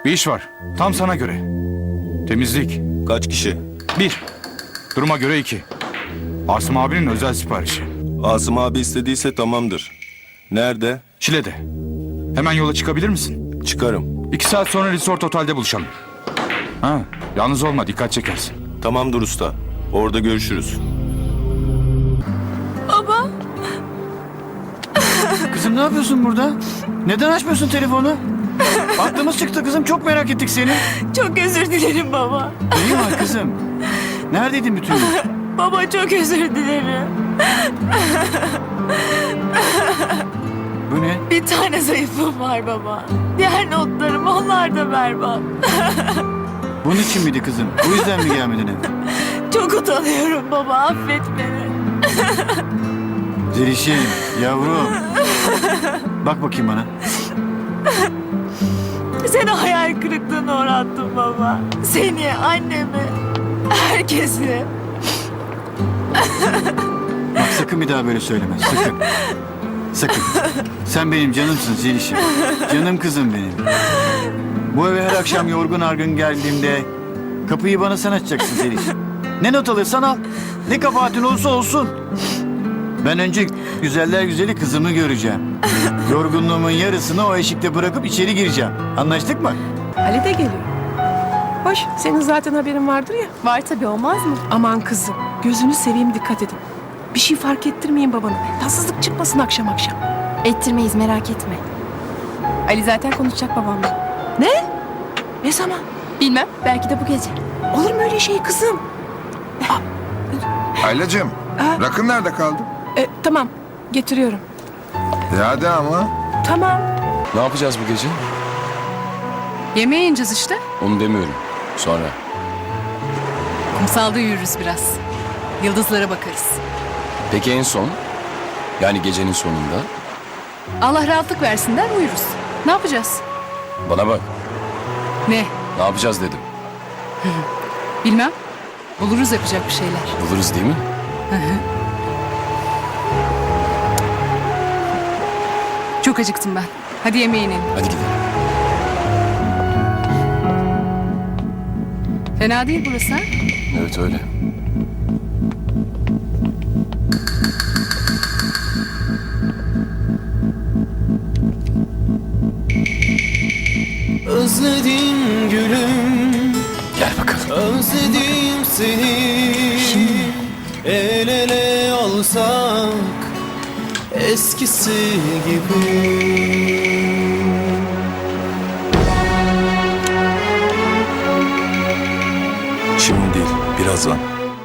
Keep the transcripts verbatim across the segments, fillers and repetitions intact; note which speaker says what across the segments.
Speaker 1: Bir iş var. Tam sana göre. Temizlik.
Speaker 2: Kaç kişi?
Speaker 1: Bir. Duruma göre iki. Asım abinin özel siparişi.
Speaker 2: Asım abi istediyse tamamdır. Nerede?
Speaker 1: Şile'de. Hemen yola çıkabilir misin?
Speaker 2: Çıkarım.
Speaker 1: İki saat sonra Resort Otel'de buluşalım. Ha, yalnız olma, dikkat çekersin.
Speaker 2: Tamamdır usta. Orada görüşürüz.
Speaker 3: Baba.
Speaker 4: Kızım ne yapıyorsun burada? Neden açmıyorsun telefonu? Aklımız çıktı kızım, çok merak ettik seni.
Speaker 3: Çok özür dilerim baba.
Speaker 4: İyi var kızım. Neredeydin bütün gün?
Speaker 3: Baba çok özür dilerim.
Speaker 4: Bu ne?
Speaker 3: Bir tane zayıfım var baba. Diğer notlarım onlar da berbat.
Speaker 4: Bunun için miydi kızım? Bu yüzden mi gelmedin eve?
Speaker 3: Çok utanıyorum baba, affet beni.
Speaker 4: Zelişim, yavrum. Bak bakayım bana.
Speaker 3: Seni hayal kırıklığına uğrattım baba. Seni, annemi, herkesi.
Speaker 4: Bak sakın bir daha böyle söyleme, sakın. Sakın. Sen benim canımsın Zelişim. Canım kızım benim. Bu eve her akşam yorgun argın geldiğimde kapıyı bana sen açacaksın Zelişim. Ne not alırsan al. Ne kabahatin olursa olsun. Ben önce güzeller güzeli kızımı göreceğim. Yorgunluğumun yarısını o eşikte bırakıp içeri gireceğim. Anlaştık mı?
Speaker 5: Ali de geliyor. Hoş, senin zaten haberin vardır ya.
Speaker 3: Var tabii, olmaz mı?
Speaker 5: Aman kızım, gözünü seveyim, dikkat edin. Bir şey fark ettirmeyin babana. Tatsızlık çıkmasın akşam akşam.
Speaker 6: Ettirmeyiz, merak etme. Ali zaten konuşacak babamla.
Speaker 5: Ne? Ne zaman?
Speaker 6: Bilmem, belki de bu gece.
Speaker 5: Olur mu öyle şey kızım?
Speaker 7: Aylacığım,
Speaker 5: Ha?
Speaker 7: rakın nerede kaldı?
Speaker 5: E, tamam, getiriyorum.
Speaker 7: E hadi ama.
Speaker 5: Tamam.
Speaker 8: Ne yapacağız bu gece?
Speaker 6: Yemeğe ineceğiz işte.
Speaker 8: Onu demiyorum. Sonra.
Speaker 6: Kumsalda yürürüz biraz. Yıldızlara bakarız.
Speaker 8: Peki en son? Yani gecenin sonunda?
Speaker 6: Allah rahatlık versin der uyuruz. Ne yapacağız?
Speaker 8: Bana bak.
Speaker 6: Ne?
Speaker 8: Ne yapacağız dedim.
Speaker 6: Bilmem. Buluruz yapacak bir şeyler.
Speaker 8: Buluruz değil mi?
Speaker 6: Çok acıktım ben. Hadi yemeğe inelim.
Speaker 8: Hadi gidelim.
Speaker 6: Fena değil burası ha?
Speaker 8: Evet öyle.
Speaker 9: Özledim gülüm,
Speaker 8: Gel bakalım.
Speaker 9: özledim seni. El ele olsak eskisi gibi.
Speaker 2: Şimdi değil, birazdan.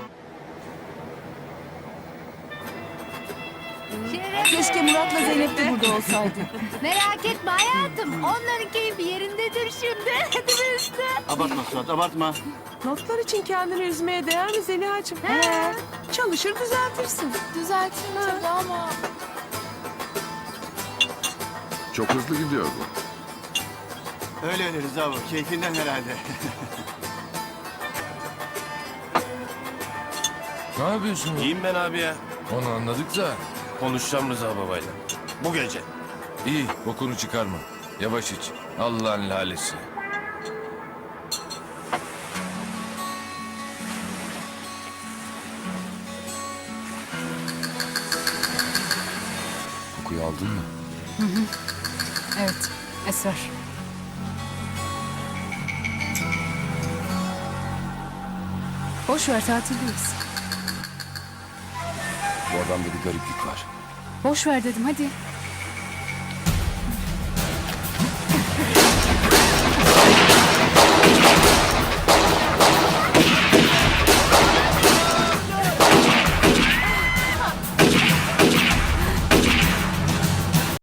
Speaker 6: Keşke Murat'la Zeynep de burada olsaydı.
Speaker 10: Merak etme hayatım. Onların keyfi yerindedir şimdi. Hadi be üstü.
Speaker 4: Abartma Suat, abartma.
Speaker 5: Notlar için kendini üzmeye değer mi Zeliha'cığım? He. Çalışır düzeltirsin.
Speaker 10: Düzeltin tabii ama.
Speaker 7: Çok hızlı gidiyor bu.
Speaker 4: Öyle öyle Rıza bu, keyfinden herhalde.
Speaker 11: Ne yapıyorsun?
Speaker 9: İyiyim ben abi ya.
Speaker 11: Onu anladık da.
Speaker 9: Konuşacağım Rıza babayla. Bu gece.
Speaker 11: İyi, bokunu çıkarma. Yavaş iç. Allah'ın lalesi.
Speaker 8: Kokuyu aldın mı?
Speaker 6: Evet, esrar. Boş ver, tatildeyiz.
Speaker 8: Bu adamda bir gariplik var.
Speaker 6: Boş ver dedim, hadi.